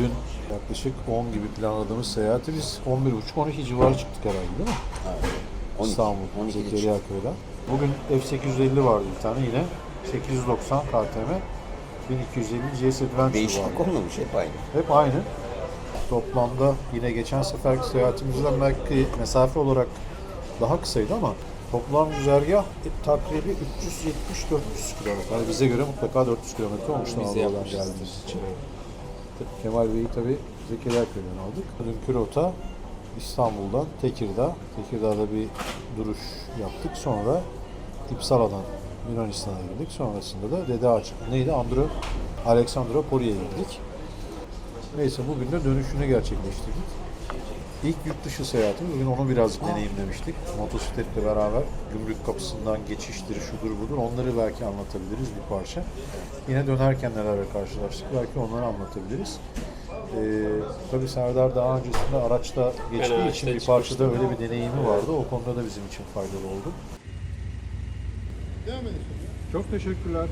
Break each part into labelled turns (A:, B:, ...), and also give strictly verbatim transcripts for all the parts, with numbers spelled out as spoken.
A: dün yaklaşık on gibi planladığımız seyahati biz on bir buçuk on iki civarı çıktık herhalde değil mi?
B: Evet.
A: İstanbul, Zekeriya Köy'den. Bugün F sekiz yüz elli vardı bir tane yine. sekiz yüz doksan K T M, bin iki yüz elli G S Adventure
B: Değişiklik
A: vardı.
B: olmamış, hep aynı.
A: Hep aynı. Toplamda yine geçen seferki seyahatimizden belki mesafe olarak daha kısaydı ama toplam güzergah e, takribi üç yüz yetmiş dört yüz kilometre. Yani bize göre mutlaka dört yüz kilometre olmuştu
C: Biz
A: Anadolu'dan
C: yapmışız.
A: geldiğimiz için. Kemal Bey'i tabii Zekeriya Köy'den aldık. Dünkü rota İstanbul'dan Tekirdağ. Tekirdağ'da bir duruş yaptık. Sonra İpsala'dan Yunanistan'a girdik. Sonrasında da Dede Ağaç. Neydi? Andro, Aleksandropoli'ye girdik. Neyse bugün de dönüşünü gerçekleştirdik. İlk yurt dışı seyahatim. Bugün onu birazcık deneyimlemiştik. Motosikletle beraber gümrük kapısından geçiştir, şudur budur. Onları belki anlatabiliriz bir parça. Yine dönerken nelerle karşılaştık. Belki onları anlatabiliriz. Ee, tabii Serdar daha öncesinde araçta geçtiği
C: Ben
A: için
C: araçta
A: bir parçada
C: çıkmıştım.
A: öyle bir deneyimi vardı. O konuda da bizim için faydalı oldu.
D: Devam edin.
A: Çok teşekkürler.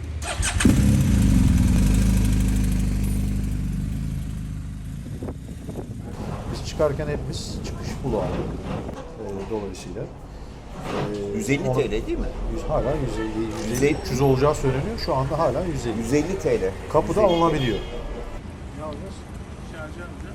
A: Biz çıkarken hepimiz çıkış pulu aldık. Ee, dolayısıyla. Ee,
B: yüz elli
A: onu-
B: T L değil mi?
A: yüz- hala yüz elli, yüz
B: yüz
A: elli,
B: elli.
A: üç yüz olacağı söyleniyor. Şu anda hala yüz elli.
B: yüz elli T L.
A: Kapıda alınabiliyor.
D: Ne alacağız? Şarjı alacağız.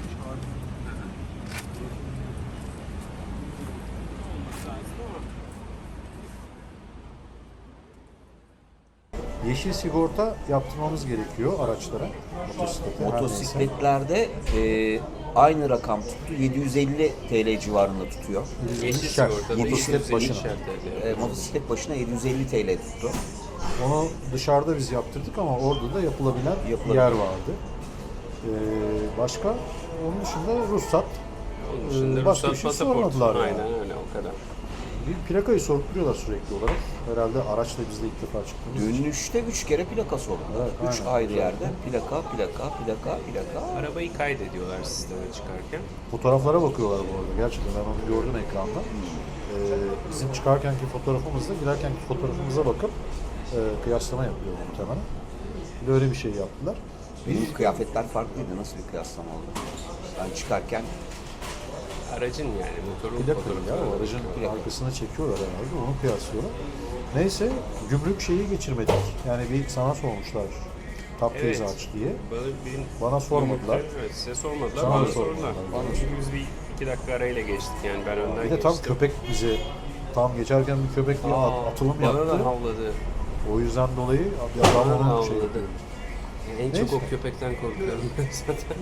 A: Yeşil sigorta yaptırmamız gerekiyor araçlara. Motosiklete, her neyse.
B: Motosikletlerde e, aynı rakam tuttu. yedi yüz elli T L civarında tutuyor.
C: Yeşil
A: Şer,
C: sigorta,
A: motosiklet
C: yeşil
A: başına.
C: şartlarda.
B: E, motosiklet başına yedi yüz elli T L tuttu.
A: Onu dışarıda biz yaptırdık ama orada da yapılabilen
B: Yapılabilir.
A: yer vardı. Ee, başka? Onun dışında ruhsat.
C: Onun dışında
A: Ee, başka
C: ruhsat,
A: bir şey
C: pasaport.
A: sormadılar yani.
C: Aynen öyle, o kadar.
A: Bir plakayı sorup duruyorlar sürekli olarak. Herhalde araçla biz de ilk defa çıktığımız için.
B: Dönüşte üç kere plaka sordular.
A: Evet,
B: üç
A: aynen.
B: ayrı yerde plaka, plaka, plaka, plaka.
C: Arabayı kaydediyorlar sisteme çıkarken.
A: Fotoğraflara bakıyorlar bu arada. Gerçekten ben onu gördüm ekranda. Ee, bizim çıkarkenki fotoğrafımızla girerkenki fotoğrafımıza bakıp e, kıyaslama yapıyor muhtemelen. Böyle bir şey yaptılar.
B: Benim kıyafetler farklıydı. Nasıl bir kıyaslama oldu? Ben çıkarken
C: Aracın yani motorun
A: Plaka ya,
C: fotoğrafı.
A: o aracın arkasına çekiyorlar herhalde, onu kıyaslıyorlar. Neyse, gümrük şeyi geçirmedik. Yani bir sana sormuşlar, Tapkeyz
C: Evet.
A: aç diye.
C: Bana, benim,
A: Bana sormadılar.
C: Evet, size sormadılar.
A: Sana
C: bana
A: da
C: sordular.
A: sormadılar.
C: Bana çünkü biz bir iki dakika arayla geçtik yani ben önden
A: Bir de tam
C: geçtim.
A: köpek bize, tam geçerken bir köpek diye
C: Aa,
A: at- atılım
C: bana
A: yaptı.
C: da havladı.
A: O yüzden dolayı ya
C: Bana da
A: ben onu
C: havladı.
A: şey yapıyorum.
C: En
A: Neyse.
C: çok o köpekten korkuyorum ben zaten.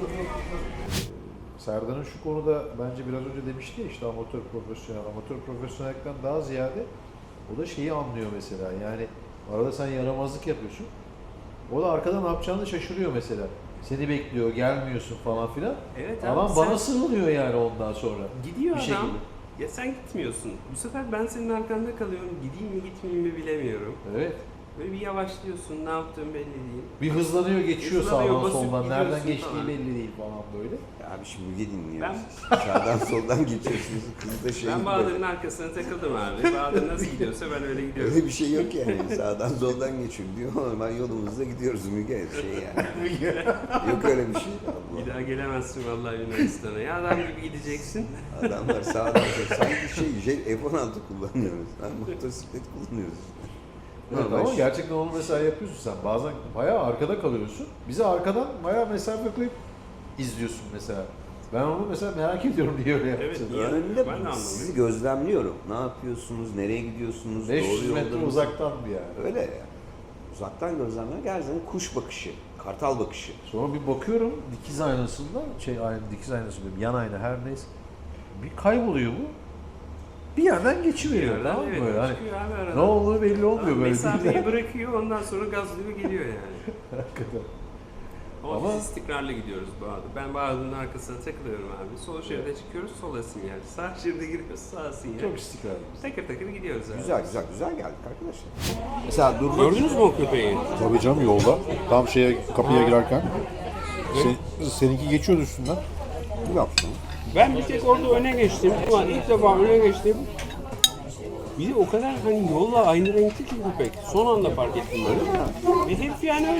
A: Serdar'ın şu konuda bence biraz önce demişti ya işte amatör profesyonel, amatör profesyonellikten daha ziyade o da şeyi anlıyor mesela yani arada sen yaramazlık yapıyorsun, o da arkada ne yapacağını şaşırıyor mesela. Seni bekliyor, gelmiyorsun falan filan.
C: Evet abi,
A: Adam
C: sen-
A: bana sığınıyor yani ondan sonra.
C: Gidiyor
A: Bir
C: adam.
A: şekilde.
C: Ya sen gitmiyorsun. Bu sefer ben senin arkanda kalıyorum. Gideyim mi gitmeyeyim mi bilemiyorum.
A: Evet.
C: Böyle bir yavaşlıyorsun. Ne yaptığın belli değil.
A: Bir hızlanıyor, geçiyor
C: Hızlanıyor,
A: sağdan
C: basıp
A: soldan. Nereden
C: gidiyorsun
A: geçtiği
C: falan.
A: belli değil falan böyle.
B: abi şimdi Müge dinliyor.
C: Ben-
B: Sağdan soldan geçiyorsunuz. Kız da şey
C: Ben
B: gibi.
C: Bahadır'ın arkasına takıldım abi. Bahadır nasıl gidiyorsa ben öyle gidiyorum.
B: Öyle bir şey yok yani. Sağdan soldan geçiyor diyor. Normal yolumuzda gidiyoruz Müge. Şey yani. Yok öyle bir şey.
C: Bir
B: Allah.
C: daha gelemezsin vallahi Yunanistan'a. Ya adam gibi gideceksin.
B: Adamlar sağdan soldan. Sanki şey, şey F on altı kullanıyoruz. Lan motosiklet kullanıyoruz.
A: Evet,
B: Normal
A: ama
B: şey.
A: gerçekten onu mesela yapıyorsun sen. Bazen bayağı arkada kalıyorsun. Bize arkadan bayağı mesafe koyup izliyorsun mesela. Ben onu mesela merak ediyorum diye öyle yaptım.
C: Evet, niye?
B: Önünde
C: Ben de anlamadım.
B: sizi gözlemliyorum. Ne yapıyorsunuz, nereye gidiyorsunuz,
A: beş
B: doğru
A: yüz
B: yolda
A: metre
B: mısınız?
A: uzaktan bir yani.
B: Öyle ya. Uzaktan gözlemler gerçekten kuş bakışı, kartal bakışı.
A: Sonra bir bakıyorum dikiz aynasında, şey aynı dikiz aynası diyorum, yan ayna her neyse. Bir kayboluyor bu. Bir yerden geçiveriyor
C: Yerden,
A: tamam mı
C: evet,
A: böyle hani
C: çıkıyor abi aradan.
A: ne olduğu belli olmuyor
C: Abi
A: böyle.
C: mesafeyi
A: birden.
C: bırakıyor ondan sonra gazlıyor geliyor yani.
A: Hakikaten.
C: Ama,
A: Ama-
C: biz istikrarlı gidiyoruz Bahadır. Ben Bahadır'ın arkasına takılıyorum abi. Sol şeride çıkıyoruz, sola sinyal. Sağ şeride giriyoruz, sağ sinyal.
A: Çok istikrarlı.
C: Takır takır gidiyoruz abi.
B: Güzel güzel güzel geldik arkadaşlar. Mesela durmak
C: Gördünüz mü o köpeği?
A: Tabii canım yolda. Tam şeye kapıya girerken. Sen, seninki geçiyordu üstünden.
B: ne yaptın?
C: Ben bir tek orada öne geçtim. Ama ilk defa öne geçtim. Bir de o kadar hani yolla aynı renkli ki köpek. Son anda fark ettim böyle. Ve hep yani öyle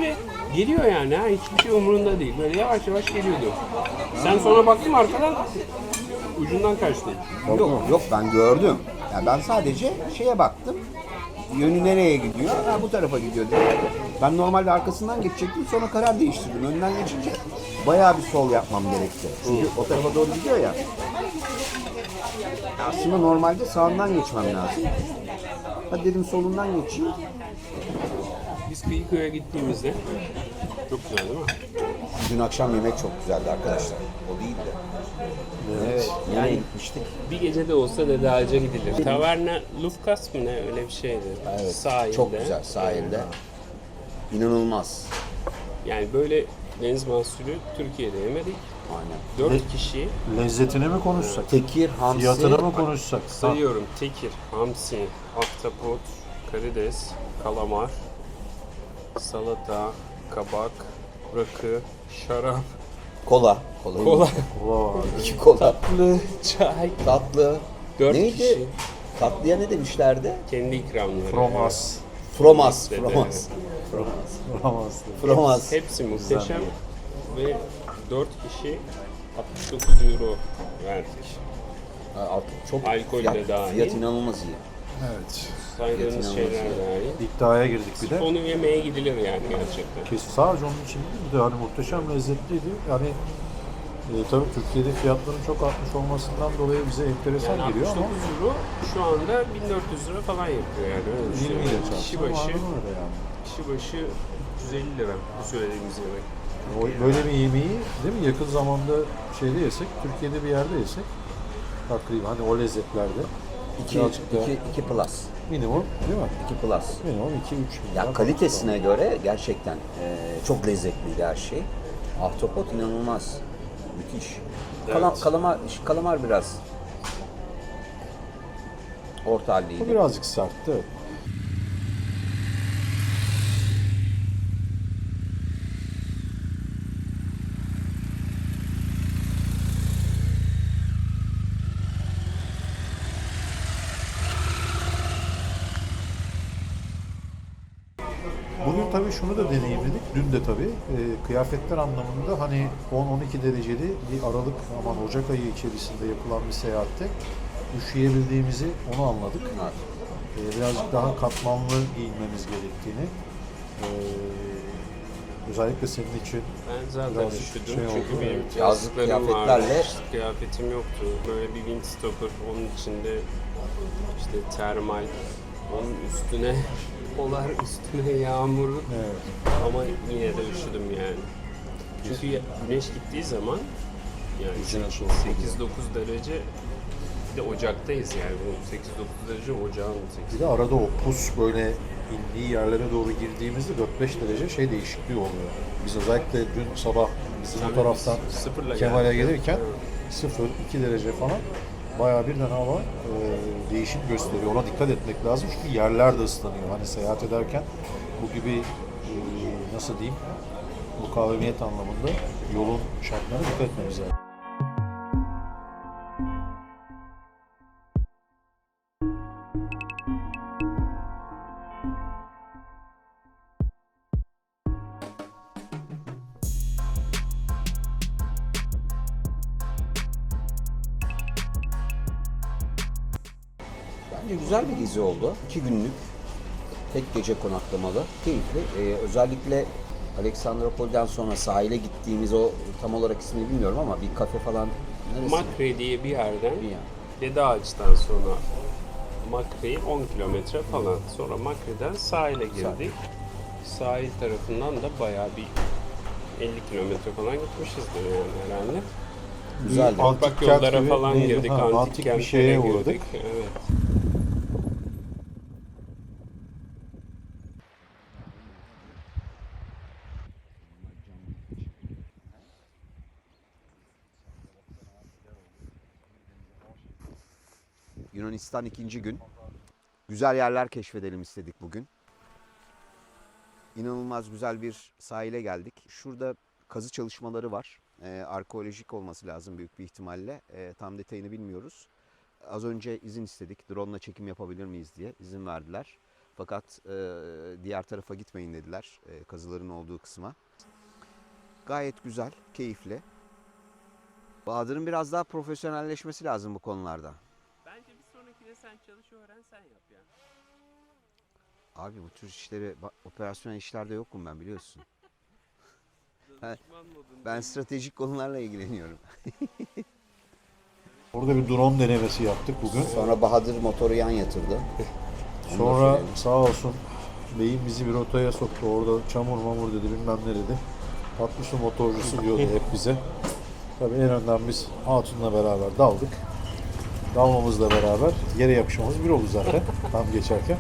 C: Geliyor yani ha, hiçbir şey umurunda değil. Böyle yavaş yavaş geliyordu. Sen sonra baktın arkadan ucundan kaçtın.
B: Yok yok ben gördüm. Yani ben sadece şeye baktım. Yönü nereye gidiyor? Ha, bu tarafa gidiyor dedim. Ben normalde arkasından geçecektim. Sonra karar değiştirdim. Önden geçince bayağı bir sol yapmam gerekti. Çünkü o tarafa doğru gidiyor ya. Aslında normalde sağından geçmem lazım. Hadi dedim solundan geçeyim.
C: Biz Kıyıköy'e gittiğimizde çok güzel değil mi?
B: Dün akşam yemek çok güzeldi arkadaşlar. O değil de. Evet. Yani gitmiştik.
C: Bir gece de olsa Dede Ağaç'a gidilir. Taverna Lufkas mı ne öyle bir şeydi.
B: Evet.
C: Sahilde.
B: Çok güzel sahilde. İnanılmaz.
C: Yani böyle deniz mahsulü Türkiye'de yemedik.
B: Aynen.
C: Dört
A: Ne?
C: kişi
A: Lezzetine mi konuşsak?
B: Tekir, hamsi.
A: Fiyatına mı konuşsak? Ha,
C: sayıyorum. Tekir, hamsi, ahtapot, karides, kalamar, salata, kabak, rakı, şarap,
B: Kola. Kola.
C: kola,
A: kola var.
B: İki kola.
C: tatlı, çay.
B: Tatlı.
C: Dört
B: Neydi?
C: kişi.
B: Tatlıya ne demişlerdi?
C: Kendi ikramları.
A: Fromas.
B: Fromas.
C: Dedi.
B: Fromas.
A: Fromas.
B: Fromas.
C: Hepsi muhteşem ve dört kişi altmış dokuz euro verdik.
B: Ha, artık çok
C: Alkol de
B: fiyat,
C: dahil.
B: fiyat inanılmaz iyi.
A: Evet.
C: Saydığınız
B: Fiyatına
C: şeyler
B: bakıyor.
C: dahil.
A: İddiaya girdik bir de.
C: Onu yemeye gidilir yani gerçekten.
A: Kesin sadece onun için değil, bir de hani muhteşem lezzetliydi. Yani e, tabii Türkiye'de fiyatların çok artmış olmasından dolayı bize enteresan
C: Yani
A: geliyor ama
C: altmış dokuz euro şu anda bin dört yüz lira falan yapıyor yani öyle
A: yirmi
C: düşünüyorum.
A: ile
C: Kişi
A: çarpsam
C: başı,
A: aynen öyle yani.
C: kişi başı üç yüz elli lira bu söylediğimiz yemek.
A: O, böyle bir yemeği değil mi yakın zamanda şeyde yesek, Türkiye'de bir yerde yesek takriben hani o lezzetlerde
B: İki,
A: birazcık da
B: iki, iki plus.
A: minimum değil mi?
B: iki plus.
A: Minimum iki üç
B: Ya kalitesine göre gerçekten e, çok lezzetliydi her şey. Ahtapot inanılmaz. Müthiş. Kala,
C: Evet.
B: kalamar, kalamar biraz orta
A: Bu
B: haldeydi.
A: birazcık sertti. Evet. Bugün tabii şunu da deneyimledik. Dün de tabii e, kıyafetler anlamında hani on on iki dereceli bir Aralık aman Ocak ayı içerisinde yapılan bir seyahatte üşüyebildiğimizi onu anladık.
B: Evet.
A: E, birazcık daha katmanlı giyinmemiz gerektiğini e, özellikle senin için
C: Ben zaten
A: Birazcık
C: üşüdüm
A: şey oldu,
C: çünkü benim
A: evet.
B: Yazlık
C: yazlıklarım vardı.
B: kıyafetlerle-
C: Kışlık kıyafetim yoktu. Böyle bir windstopper, onun içinde işte termal, onun üstüne polar, üstüne yağmuru
A: evet,
C: ama yine de üşüdüm yani. Çünkü ya- güneş gittiği zaman yani sekiz dokuz derece bir de Ocak'tayız yani bu sekiz dokuz derece ocağın
A: bir de arada o pus böyle indiği yerlere doğru girdiğimizde dört beş derece şey değişikliği oluyor. Biz özellikle dün sabah bizim bu taraftan
C: sıfırla
A: Kemal'e
C: geldik.
A: gelirken
C: Evet.
A: sıfır iki derece falan bayağı birden hava e, değişim gösteriyor. Ona dikkat etmek lazım çünkü yerler de ıslanıyor. Hani seyahat ederken bu gibi e, nasıl diyeyim mukavemiyet anlamında yolun şartlarına dikkat etmemiz lazım.
B: Bence güzel bir gezi oldu. İki günlük, tek gece konaklamalı, keyifli. Ee, özellikle Aleksandropol'den sonra sahile gittiğimiz o tam olarak ismini bilmiyorum ama bir kafe falan neresi?
C: Makre diye bir yerden
B: Bir yer.
C: Dede Ağaç'tan sonra Makre'yi on kilometre falan. Sonra Makre'den sahile girdik. Sahil tarafından da bayağı bir elli kilometre falan gitmişizdir yani herhalde.
B: Güzeldi.
A: Antik
C: Bak
A: kent
C: yollara
A: gibi
C: falan
A: neydi?
C: girdik,
A: Ha,
C: antik,
A: antik bir
C: kentlere
A: şeye
C: girdik.
A: uğradık.
C: Evet.
B: Yunanistan ikinci gün. Güzel yerler keşfedelim istedik bugün. İnanılmaz güzel bir sahile geldik. Şurada kazı çalışmaları var. Ee, arkeolojik olması lazım büyük bir ihtimalle. Ee, tam detayını bilmiyoruz. Az önce izin istedik. Drone'la çekim yapabilir miyiz diye izin verdiler. Fakat e, diğer tarafa gitmeyin dediler. E, kazıların olduğu kısma. Gayet güzel, keyifli. Bahadır'ın biraz daha profesyonelleşmesi lazım bu konularda.
C: Bence bir sonrakine sen çalış öğren sen yap ya.
B: Abi bu tür işleri, bak, operasyonel işlerde yokum ben biliyorsun.
C: Danışman modunda.
B: Ben stratejik konularla ilgileniyorum.
A: Orada bir drone denemesi yaptık bugün.
B: Sonra Bahadır motoru yan yatırdı. Onu da
A: Sonra
B: söyleyelim.
A: sağ olsun beyim bizi bir rotaya soktu. Orada çamur mamur dedi bilmem ne dedi. Patlısı motorcusu diyordu hep bize. Tabii en önden biz Hatun'la beraber daldık. Dalmamızla beraber yere yapışmamız bir oldu zaten tam geçerken.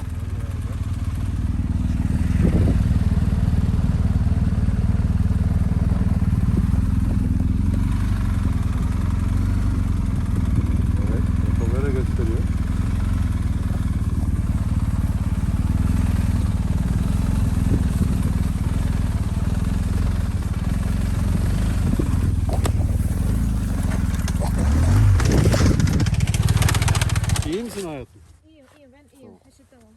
A: Evet, kamera gösteriyor. İyi misin hayatım?
E: İyiyim, iyiyim. Ben iyiyim. Her şey tamam.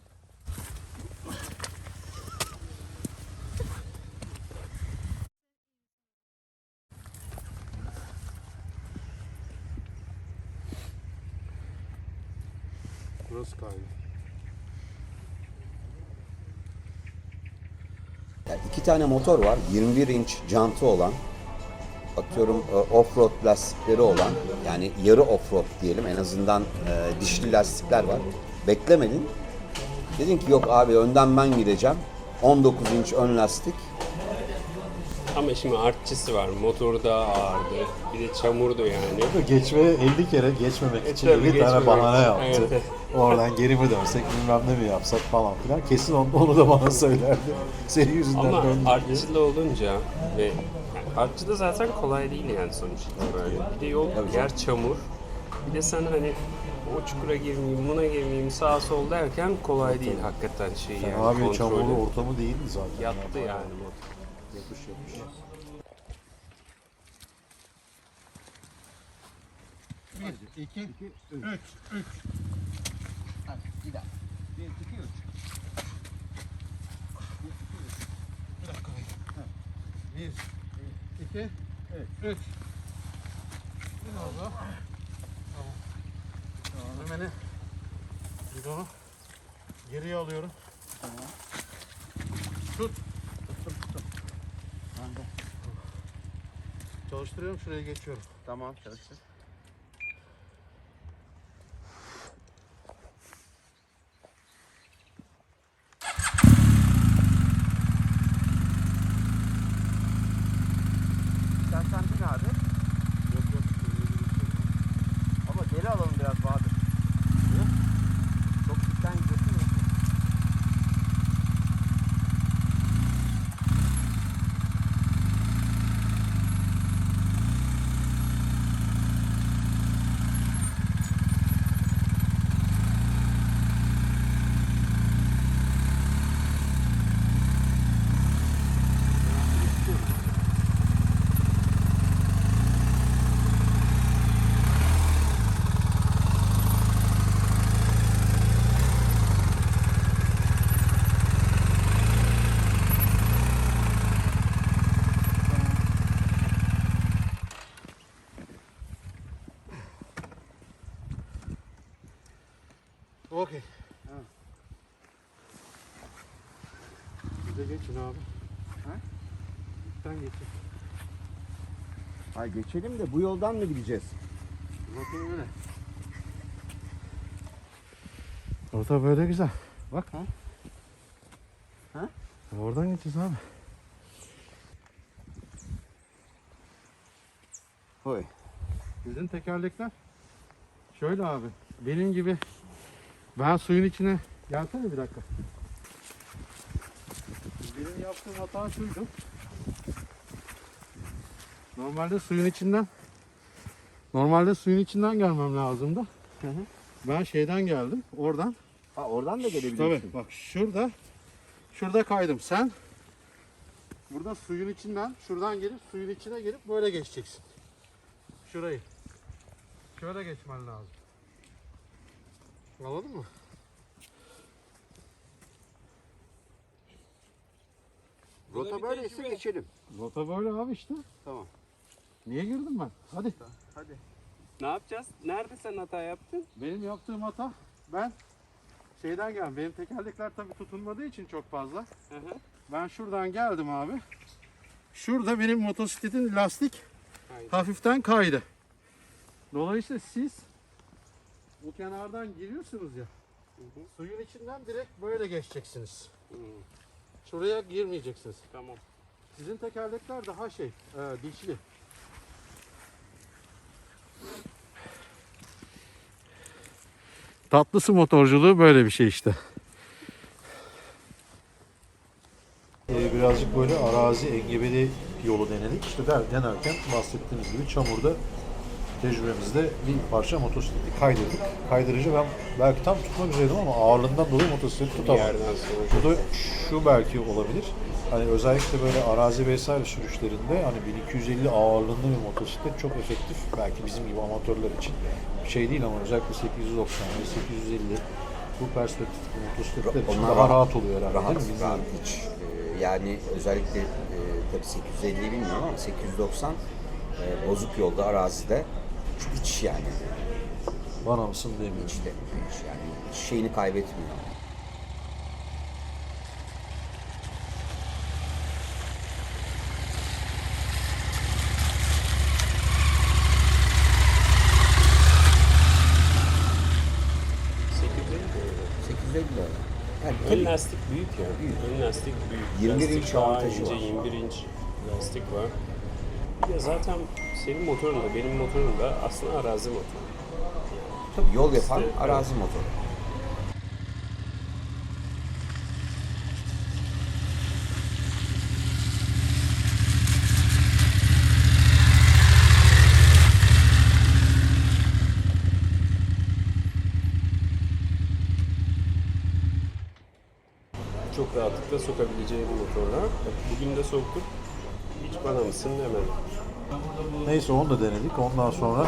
A: Burası kaydı.
B: Yani iki tane motor var. yirmi bir inç jantı olan, atıyorum e, off-road lastikleri olan, yani yarı off-road diyelim, en azından e, dişli lastikler var. Beklemedin. Dedin ki yok abi önden ben gideceğim. on dokuz inç ön lastik.
C: Ama şimdi artçısı var. Motoru daha ağırdı. Bir de çamurdu yani.
A: Geçmeye elli kere geçmemek için
C: tabii
A: elli tane
C: geçmemek
A: bahane
C: için.
A: yaptı.
C: Evet, evet.
A: Oradan geri mi dönsek bilmem ne mi yapsak falan filan. Kesin onu, onu da bana söylerdi. Senin yüzünden
C: Ama
A: döndük diye.
C: artçılı olunca ve yani artçı da zaten kolay değil yani sonuçta böyle. Bir de yol yer çamur. Bir de sen hani o çukura girmeyeyim, buna girmeyeyim, sağa sol derken kolay değil hakikaten şey
A: Sen
C: yani.
A: abi
C: kontrolü.
A: çamurlu ortamı değildi zaten.
C: Yattı yani motor.
A: Yapış yapış.
D: Bir, iki, üç. Üç.
B: Hadi bir daha. Bir, iki, üç.
D: Bir, iki, üç. Bir oldu. Tamam. Tamam. Hemen bidonu geriye alıyorum. Tamam. Tut. Tuttum tuttum. Ben de. Çalıştırıyorum, şuraya geçiyorum.
B: Tamam çalıştır. İstersen bin abi.
D: Yok yok.
B: Ama geri alalım biraz Bahadır. Çok dipten gidiyorsun ya.
D: Okey. Bir de geçin abi.
B: Ha?
D: Sen geçin.
B: Ay geçelim de bu yoldan mı gideceğiz?
D: Bakayım öyle. Orta böyle güzel. Bak.
B: Ha? Ha?
D: Oradan geçeceğiz abi.
B: Oy.
D: Bizim tekerlekler şöyle abi. Benim gibi ben suyun içine gelsene bir dakika. Benim yaptığım hata şuydu. Normalde suyun içinden normalde suyun içinden gelmem lazımdı.
B: Hı hı.
D: Ben şeyden geldim. Oradan.
B: Ha oradan da gelebiliyorsun.
D: Tabii bak şurada şurada kaydım. Sen burada suyun içinden şuradan gelip suyun içine gelip böyle geçeceksin. Şurayı. Şöyle geçmen lazım. Anladın mı?
B: Rota böyleyse geçelim.
D: Rota böyle abi işte.
B: Tamam.
D: Niye girdim ben? Hadi.
B: Hadi.
C: Ne yapacağız? Nerede sen hata yaptın?
D: Benim yaptığım hata, ben şeyden geldim. Benim tekerlekler tabii tutunmadığı için çok fazla.
C: Hı hı.
D: Ben şuradan geldim abi. Şurada benim motosikletin lastik
C: Haydi.
D: hafiften kaydı. Dolayısıyla siz bu kenardan giriyorsunuz ya.
C: Hı hı.
D: Suyun içinden direkt böyle geçeceksiniz.
C: Hı.
D: Şuraya girmeyeceksiniz.
C: Tamam.
D: Sizin tekerlekler daha şey, e, dişli. Tatlısı motorculuğu böyle bir şey işte.
A: Ee, birazcık böyle arazi engebeli yolu denedik. İşte der, denerken bahsettiğimiz gibi çamurda tecrübemizde bir parça motosikleti kaydırdık. Kaydırıcı ben belki tam tutmak üzereydim ama ağırlığından dolayı motosikleti
C: Bir
A: tutamadım.
C: yerden sonra
A: Bu da şu belki olabilir. Hani özellikle böyle arazi vesaire sürüşlerinde hani bin iki yüz elli ağırlığında bir motosiklet çok efektif. Belki bizim gibi amatörler için şey değil ama özellikle sekiz yüz doksan ve sekiz yüz elli bu perspektifli motosikletler için
B: Onlar
A: daha
B: rahat-
A: rahat oluyor herhalde
B: Rahat,
A: değil mi?
B: rahat hiç. Ee, yani özellikle e, tabii sekiz yüz elliyi bilmiyorum ama sekiz yüz doksan e, bozuk yolda arazide hiç yani
A: Bana mısın demiyorum.
B: hiç de hiç yani hiç şeyini kaybetmiyor.
C: sekiz değil mi?
B: sekiz yüz elli lira. Yani
C: Ön
B: tabii
C: lastik büyük ya.
B: Büyük.
C: Ön lastik büyük.
B: yirmi bir
C: Lastik
B: inç
C: daha
B: avantajı
C: ince,
B: var.
C: yirmi bir inç lastik var. Ya zaten senin motorun da benim motorum da aslında arazi motoru.
B: tabii yol yapan
C: İşte,
B: arazi motoru.
C: Çok rahatlıkla sokabileceğim motorlar. Bugün de soktuk. Hiç bana mısın demedim.
A: Neyse onu da denedik. Ondan sonra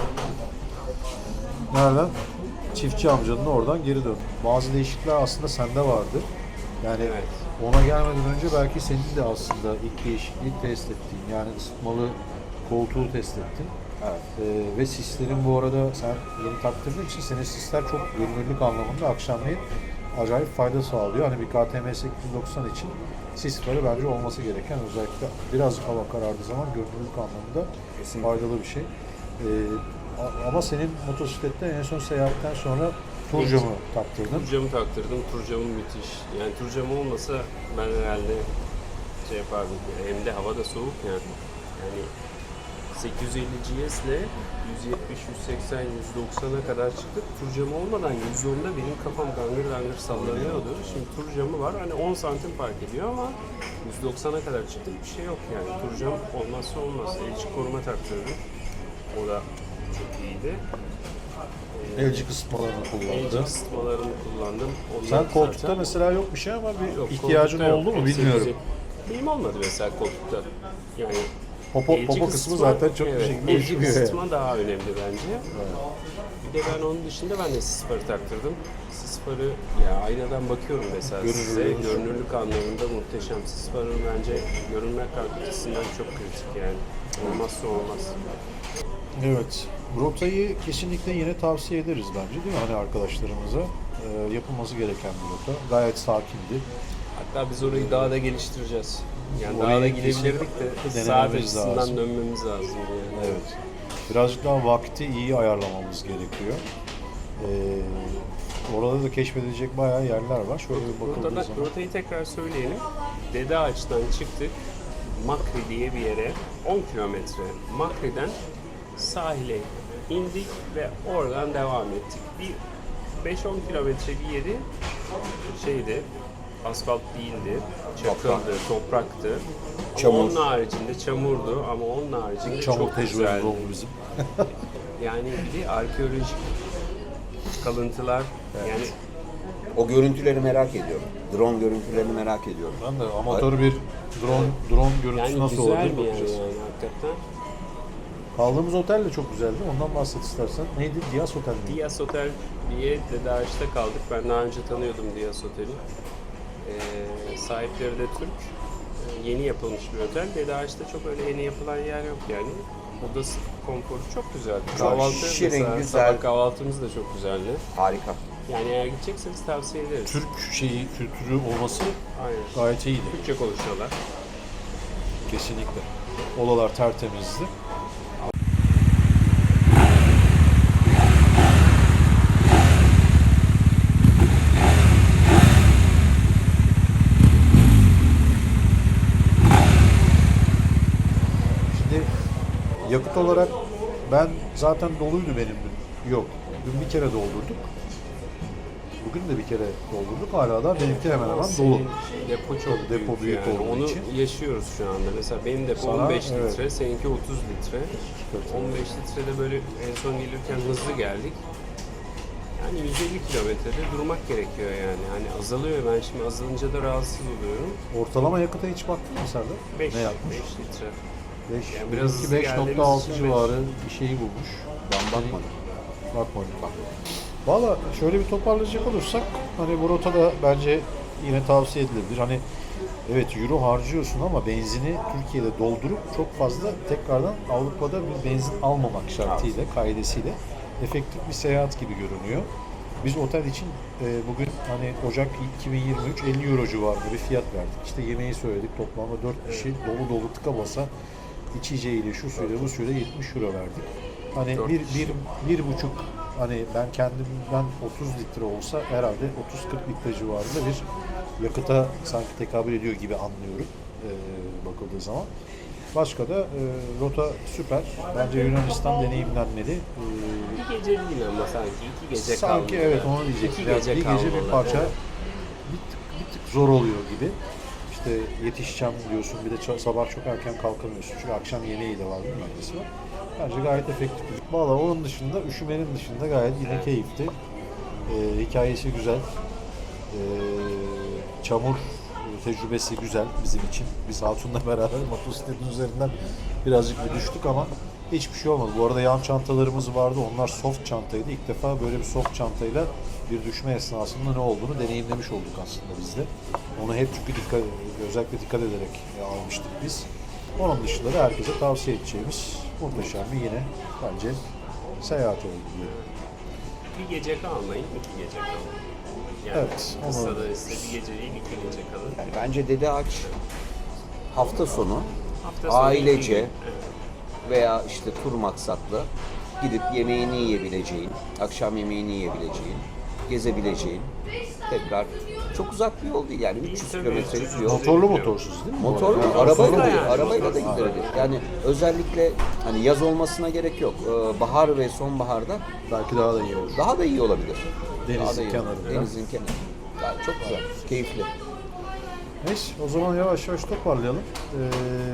A: nereden? Çiftçi amcanın oradan geri döndük. Bazı değişiklikler aslında sende vardı. Yani
C: Evet.
A: ona gelmeden önce belki senin de aslında ilk değişikliği test ettiğin yani ısıtmalı koltuğu test ettin.
B: Evet.
A: Ee, ve sislerin bu arada sen yeni taktırdığın için senin sisler çok görünürlük anlamında akşamleyin acayip fayda sağlıyor. Hani bir K T M sekiz yüz doksan için sis farı bence olması gereken, özellikle birazcık hava karardığı zaman görünürlük anlamında
B: Kesinlikle.
A: faydalı bir şey. Ee, a- ama senin motosiklette en son seyahatten sonra tur camı taktırdın.
C: Tur camı taktırdım. Tur camı müthiş. Yani tur camı olmasa ben herhalde şey yapardım. Yani hem de hava da soğuk yani. Yani sekiz yüz elli G S ile yüz yetmiş, yüz seksen, yüz doksana kadar çıktık. Tur camı olmadan yüz onda benim kafam gangır gangır sallanıyordu. Şimdi tur camı var. Hani on santim fark ediyor ama yüz doksana kadar çıktık. Bir şey yok yani. Tur cam olmazsa olmaz. Elçi koruma taktırdım. O da çok iyiydi.
A: Elcik ısıtmalarını
C: Elçi
A: kullandı.
C: ısıtmalarını kullandım. Onlar
A: Sen koltukta
C: zaten-
A: mesela yok bir şey ama bir
C: Yok,
A: ihtiyacın
C: koltukta
A: oldu
C: yok.
A: mu
C: Hepsi
A: bilmiyorum.
C: güzel. Benim olmadı mesela koltukta. Yani
A: Popo,
C: elcik
A: popo kısmı
C: ısıtma-
A: zaten çok bir
C: evet,
A: şekilde
C: elcik
A: üşümüyor yani.
C: ısıtma daha önemli bence. Bir de ben onun dışında ben de sis farı taktırdım. Sis farı ya aynadan bakıyorum mesela
A: Görünürlüğü
C: size.
A: çok
C: Görünürlük anlamında muhteşem. Sis farı bence görünmek açısından çok kritik yani. Olmazsa olmaz.
A: Evet. Rotayı kesinlikle yine tavsiye ederiz bence değil mi? Hani arkadaşlarımıza e, yapılması gereken bir rota. Gayet sakindi.
C: Hatta biz orayı daha da geliştireceğiz. Yani
A: Orayı
C: daha da gidebilirdik
A: kesinlikle
C: de
A: denememiz
C: saat açısından
A: lazım.
C: dönmemiz lazım yani.
A: Evet. Birazcık daha vakti iyi ayarlamamız gerekiyor. E, orada da keşfedilecek bayağı yerler var. Şöyle bir bakıldığı
C: Rotada,
A: zaman.
C: rotayı tekrar söyleyelim. Dede Ağaç'tan çıktık. Makri diye bir yere on kilometre Makri'den sahile indik ve oradan devam ettik. Bir beş on kilometre bir yeri şeydi, asfalt değildi, çakıldı, topraktı. Ama
B: Çamur.
C: onun haricinde çamurdu ama onun haricinde
A: Çamur
C: çok
A: tecrübemiz
C: güzeldi.
A: oldu bizim.
C: Yani bir de arkeolojik kalıntılar, yani
B: O görüntüleri merak ediyorum. Drone görüntülerini merak ediyorum.
A: Ben de amatör bir drone drone görüntüsü
C: yani
A: nasıl
C: güzel
A: olabilir
C: bir yer
A: bakacağız.
C: yani hakikaten.
A: Kaldığımız otel de çok güzeldi. Ondan bahset istersen. Neydi? Dias Otel mi?
C: Dias Otel diye Dede Ağaç'ta kaldık. Ben daha önce tanıyordum Dias Otel'i. Ee, sahipleri de Türk. Ee, yeni yapılmış bir otel. Dede Ağaç'ta çok öyle yeni yapılan yer yok yani. Odası konforu çok güzel. Kahvaltı
B: şirin,
C: mesela,
B: güzel.
C: sabah kahvaltımız da çok güzeldi.
B: Harika.
C: Yani eğer gidecekseniz tavsiye ederiz.
A: Türk şeyi, kültürü olması
C: Aynen.
A: gayet iyiydi.
C: Türkçe konuşuyorlar.
A: Kesinlikle. Odalar tertemizdi. Şimdi yakıt olarak ben zaten doluydu benim dün. Yok. Dün bir kere doldurduk. Bugün de bir kere doldurduk. Hala da benimki hemen hemen dolu.
C: Senin depo çok
A: Tabii depo
C: büyük,
A: büyük
C: yani.
A: olduğu
C: Onu
A: için.
C: yaşıyoruz şu anda. Mesela benim depo
A: Sana,
C: on beş
A: evet.
C: litre, seninki otuz litre. on beş litrede böyle en son gelirken hızlı geldik. Yani yüz elli kilometrede durmak gerekiyor yani. Hani azalıyor, ben şimdi azalınca da rahatsız oluyorum.
A: Ortalama yakıta hiç baktın mı Serdar?
C: beş,
A: Ne yapmış?
C: beş litre.
A: beş,
C: Yani biraz hızlı
A: beş nokta
C: geldiğimiz
A: altı
C: için
A: civarı bir şeyi bulmuş.
B: Ben bakmadım.
A: Bakmadım. Valla şöyle bir toparlayacak olursak hani bu rotada bence yine tavsiye edilebilir. Hani evet euro harcıyorsun ama benzini Türkiye'de doldurup çok fazla tekrardan Avrupa'da bir benzin almamak şartıyla, kaidesiyle efektif bir seyahat gibi görünüyor. Biz otel için e, bugün hani Ocak iki bin yirmi üç elli euro civarında bir fiyat verdik. İşte yemeği söyledik. Toplamda dört kişi dolu dolu tıka basa içeceğiyle şu suyla bu suyla yetmiş euro verdik. Hani
C: Dört
A: bir,
C: kişi.
A: bir, bir buçuk hani ben kendimden otuz litre olsa herhalde otuz kırk litre civarında bir yakıta sanki tekabül ediyor gibi anlıyorum e, bakıldığı zaman. Başka da e, rota süper. Bence Yunanistan deneyimlenmeli. E,
C: Bir gece değil ama sanki iki gece kalmalı.
A: sanki evet onu diyecektim.
C: İki
A: Yani
C: gece
A: bir gece
C: kalmalı,
A: bir parça
C: evet.
A: bir tık, bir tık zor oluyor gibi. İşte yetişeceğim diyorsun bir de ça- sabah çok erken kalkamıyorsun. Çünkü akşam yemeği de var değil mi? Öncesi var. Bence gayet efektif. Valla onun dışında üşümenin dışında gayet yine keyifli. Ee, hikayesi güzel. Ee, çamur tecrübesi güzel bizim için. Biz Hatun'la beraber motosikletin üzerinden birazcık bir düştük ama hiçbir şey olmadı. Bu arada yan çantalarımız vardı. Onlar soft çantaydı. İlk defa böyle bir soft çantayla bir düşme esnasında ne olduğunu deneyimlemiş olduk aslında biz de. Onu hep çünkü dikkat, özellikle dikkat ederek almıştık biz. Onun dışında da herkese tavsiye edeceğimiz muhteşem bir yine bence seyahat oldu diyorum.
C: Bir gece kalmayın, iki gece kalın. Yani
A: Evet, onu
C: kısa da
A: öyle.
C: ise bir gece değil, iki gece kalın.
B: Yani bence Dede Ağaç hafta sonu
C: Hafta sonu iki
B: ailece
C: gün, evet.
B: veya işte tur maksatlı gidip yemeğini yiyebileceğin, akşam yemeğini yiyebileceğin, gezebileceğin, tekrar çok uzak bir yol değil yani üç yüz
C: Tabii,
B: kilometrelik
C: üç yüz
B: bir yol.
A: Motorlu motorsuz değil mi? bu
B: Motorlu,
A: arada?
B: arabayla da,
C: yani.
B: arabayla da gidilebilir. Yani özellikle hani yaz olmasına gerek yok. Ee, bahar ve sonbaharda
A: Belki daha da iyi olur.
B: daha da iyi olabilir.
A: Denizin
B: Daha da iyi olur.
A: kenarında.
B: Denizin kenarı. Yani çok güzel, keyifli.
A: Neyse o zaman yavaş yavaş toparlayalım. Ee,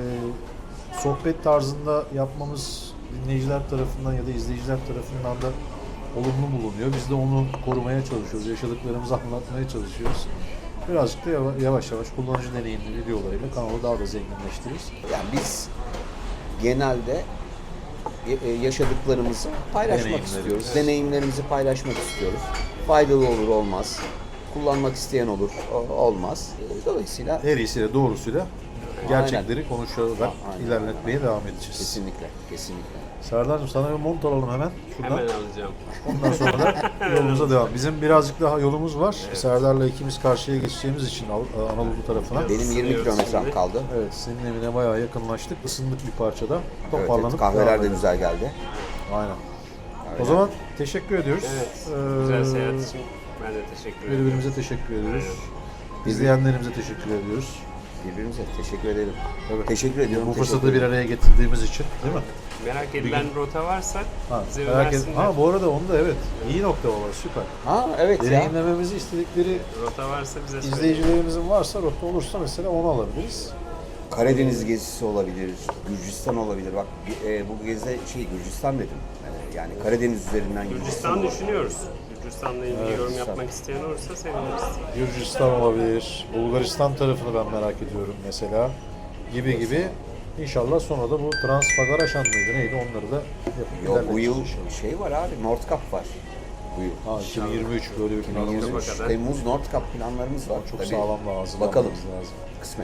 A: sohbet tarzında yapmamız dinleyiciler tarafından ya da izleyiciler tarafından da olumlu bulunuyor. Biz de onu korumaya çalışıyoruz. Yaşadıklarımızı anlatmaya çalışıyoruz. Birazcık da yava- yavaş yavaş kullanıcı deneyimli videolarıyla kanalı daha da zenginleştiririz.
B: Yani biz genelde e, e, yaşadıklarımızı paylaşmak
A: Deneyimleri,
B: istiyoruz.
A: evet.
B: Deneyimlerimizi paylaşmak istiyoruz. Faydalı olur olmaz. Kullanmak isteyen olur o- olmaz. E, Dolayısıyla
A: Her iyisiyle doğrusuyla gerçekleri konuşarak
B: Aynen.
A: ilerletmeye devam edeceğiz.
B: kesinlikle, kesinlikle.
A: Serdar'cığım sana bir mont alalım hemen şuradan.
C: Hemen alacağım.
A: Ondan sonra da yolumuza devam. Bizim birazcık daha yolumuz var. Serdar'la ikimiz karşıya geçeceğimiz için Av- Anadolu tarafına.
B: Benim yirmi
C: Isınıyoruz
B: kilometrem
C: şimdi.
B: kaldı.
A: Evet, senin evine bayağı yakınlaştık. Isındık bir parçada.
B: Evet,
A: Toparlanıp
B: evet, kahveler
A: devam
B: de
A: edelim.
B: güzel geldi.
A: Aynen. O zaman teşekkür ediyoruz.
C: Evet,
A: Ee,
C: güzel seyahat için ben de teşekkür ederim.
A: Birbirimize teşekkür ediyoruz. İzleyenlerimize teşekkür ediyoruz.
B: Birbirimize teşekkür ederim.
A: Evet.
B: Teşekkür ediyorum.
A: Bu
B: teşekkür
A: fırsatı bir
B: ederim.
A: araya getirdiğimiz için, değil mi?
C: Merak edilen rota varsa
A: Ha,
C: bize
A: merak et-
C: versinler.
A: ha bu arada onu da evet. İyi nokta var, süper.
B: Ha evet ya.
A: Deneyimlememizi istedikleri
C: Rota varsa bize söyleyin.
A: izleyicilerimizin varsa rota olursa mesela onu alabiliriz.
B: Karadeniz gezisi olabilir, Gürcistan olabilir. Bak e, bu gezide şey Gürcistan dedim. E, Yani Karadeniz üzerinden Gürcistan.
C: Gürcistan
B: olabilir.
C: düşünüyoruz. Gürcistan'la ilgili
A: Evet,
C: yorum
A: güzel.
C: yapmak isteyen olursa seviniriz.
A: Gürcistan olabilir, Bulgaristan tarafını ben merak ediyorum mesela gibi gibi. İnşallah sonra da bu Transfagaraşan mıydı neydi onları da yapıp
B: Yok bu yıl
A: ilerleteceğiz inşallah.
B: şey var abi, North Cup var bu yıl.
A: Ha, iki bin yirmi üç böyle bir planımız
C: yirmi
A: var.
C: üç. kadar.
B: Temmuz North Cup planlarımız var.
A: Çok
B: Tabii
A: sağlam da
B: Bakalım.
A: hazırlanmamız lazım.
B: Kısmet.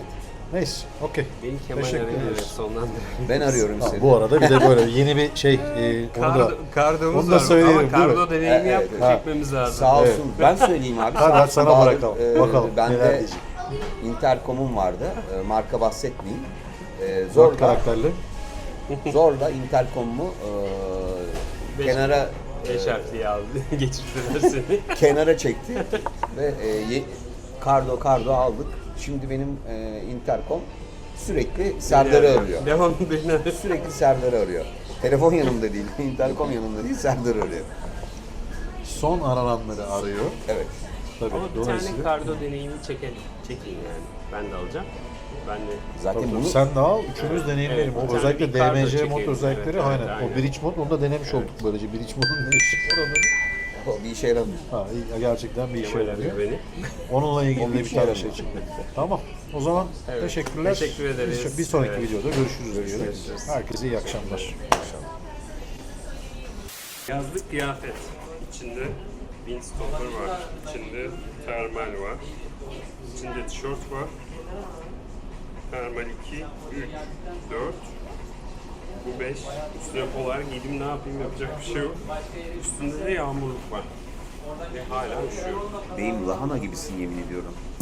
A: Neyse, okey.
C: Beni Kemal
A: Teşekkür
C: arıyor, evet,
A: ederiz.
C: sonlandırıyor.
B: Ben arıyorum
A: Ha,
B: seni.
A: bu arada bir de böyle yeni bir şey, e, onu da
C: Kardo, kardomuz
A: onu da
C: var
A: söyleyelim,
C: ama
A: değil mi?
C: kardo deneyimi
B: Evet,
C: yaptık,
B: evet.
C: çekmemiz lazım.
B: Sağ olsun.
A: Evet.
B: Ben söyleyeyim abi.
A: Hadi,
B: Sağ
A: hadi
B: olsun
A: sana
B: Bahadır.
A: bırakalım.
B: Ee,
A: Bakalım
B: Ben
A: neler
B: de
A: diyecek.
B: Intercom'um vardı. Ee, marka bahsetmeyeyim. Ee,
A: Dört
B: zorla,
A: karakterli.
B: zorla Intercom'umu e,
C: Beş-
B: kenara
C: Beş harfliyi aldı, geçirdiler seni.
B: kenara çekti ve e, ye- kardo kardo aldık. Şimdi benim e, Intercom sürekli Serdar'ı arıyor.
C: Devam beni arıyor.
B: Sürekli Serdar'ı arıyor. Telefon yanımda değil, Intercom yanımda değil, Serdar'ı arıyor.
A: Son arananları arıyor.
B: Evet.
A: Tabii,
C: Ama bir tane
A: dolayısıyla.
C: kardo deneyimi çekelim, çekeyim yani. Ben de alacağım. Ben de
B: Zaten
A: Tabii,
B: bunu
A: sen de al, üçümüz deneyimleyelim.
C: Evet, bir
A: o
C: tane
A: özellikle
C: bir kardo
A: D M C mod
C: çekelim.
A: özellikleri,
C: Evet,
A: aynen.
C: evet, aynen.
A: O bridge mod, onu da denemiş olduk böylece. Bridge modun ne işi var onun?
B: o bir işe yaramıyor.
A: Ha, iyi, gerçekten bir işe
C: Kemal
A: yarıyor.
C: arıyor beni.
A: Onunla ilgili
B: O
A: de
B: bir
A: bir
B: işe
A: tane
B: yaramıyor.
A: şey çıktı. Tamam. O zaman
C: Evet.
A: teşekkürler.
C: Teşekkür ederiz.
A: Bir, bir sonraki
C: Evet.
A: videoda görüşürüz diyelim.
C: Görüşürüz.
A: Herkese iyi akşamlar.
C: Yazlık kıyafet. İçinde windstopper var. İçinde termal var. İçinde tişört var. Termal iki, üç, dört. Bu beş. Üstüne polar giydim, ne yapayım, yapacak bir şey yok. Üstünde de yağmurluk var. Ve hala üşüyor.
B: Benim lahana gibisin yemin ediyorum.